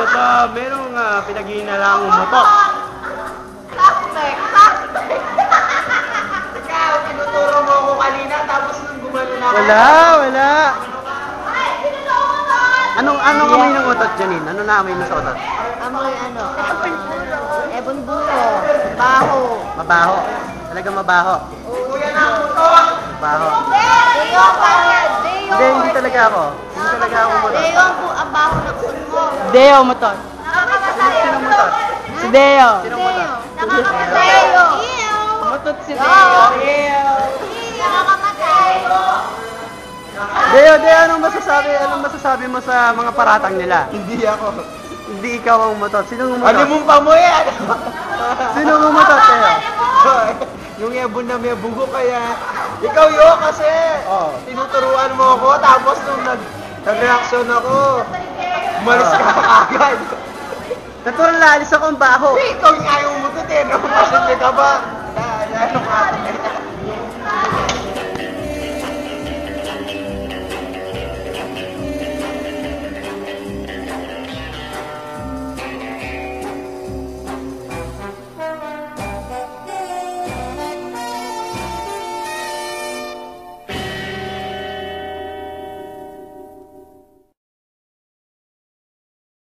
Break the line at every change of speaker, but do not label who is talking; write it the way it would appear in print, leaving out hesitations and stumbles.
merong pinag-iinalang motor.
Suspect! Ikaw, tinuturo mo ako kanina, tapos nung gumano na ako.
Wala. Anong amoy ng utot, Janine? Ano na amoy mo sa utot?
Amoy ebon buro, baho.
Mabaho. Talaga mabaho.
Kuya na ang motor!
Mabaho.
Deo, bakit? Deo.
Hindi talaga ako. Hindi talaga ako motor.
Deo ang baho ng sun mo.
Deo motor.
Sinong motor?
Si Deo.
Sinong motor?
Nakakamatay.
Motot si Deo.
Nakakamatay.
Deo, anong masasabi mo sa mga paratang nila?
Hindi ako.
Hindi ikaw ang motor. Sinong motor?
Ano mong pamoy?
Sino ang motor, Deo?
Yung ebon na may bugo kaya. Ikaw kasi.
Oh.
Tinuturuan mo ako, tapos nung nag-reaction ako, umalis ka agad.
Natural na alis ako ang baho.
Ikaw yung ayaw mo to, no? Pasyente ka ba?